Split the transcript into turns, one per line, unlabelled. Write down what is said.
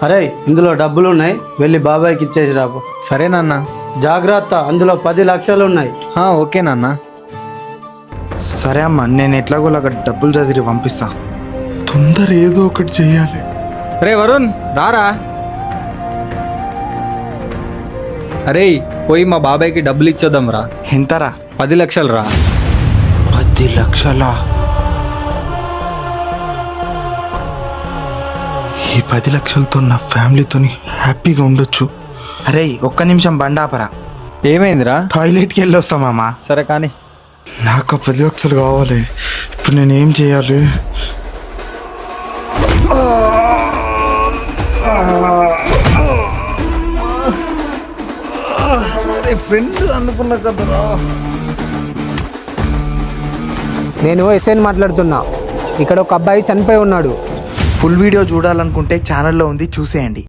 అరే ఇందులో డబ్బులు ఉన్నాయి, వెళ్ళి బాబాయ్కి ఇచ్చేసి రాపు.
సరే నాన్న.
జాగ్రత్త, అందులో 10 లక్షలు ఉన్నాయి.
ఓకే నాన్న.
సరే అమ్మా, నేను ఎట్లాగోలాగా డబ్బులు చదివి పంపిస్తా. తొందర ఏదో ఒకటి చెయ్యాలి.
రే వరుణ్ రారా. అరే పోయి మా బాబాయ్కి డబ్బులు ఇచ్చొద్దాం రా.
ఎంతరా?
10 లక్షలు రా.
10 లక్షలా? ఈ 10 లక్షలతో నా ఫ్యామిలీతో హ్యాపీగా ఉండొచ్చు. అరే ఒక్క నిమిషం బండాపరా.
ఏమైందిరా?
టాయిలెట్కి వెళ్ళి వస్తామమ్మా.
సరే కానీ.
నాకు 10 లక్షలు కావాలి. ఇప్పుడు నేను ఏం చేయాలి?
ఫ్రెండ్ అనుకున్నా కదరా.
నేను ఎస్ఐని మాట్లాడుతున్నా. ఇక్కడ ఒక అబ్బాయి చనిపోయి ఉన్నాడు.
ఫుల్ వీడియో చూడాలనుకుంటే ఛానల్లో ఉంది, చూసేయండి.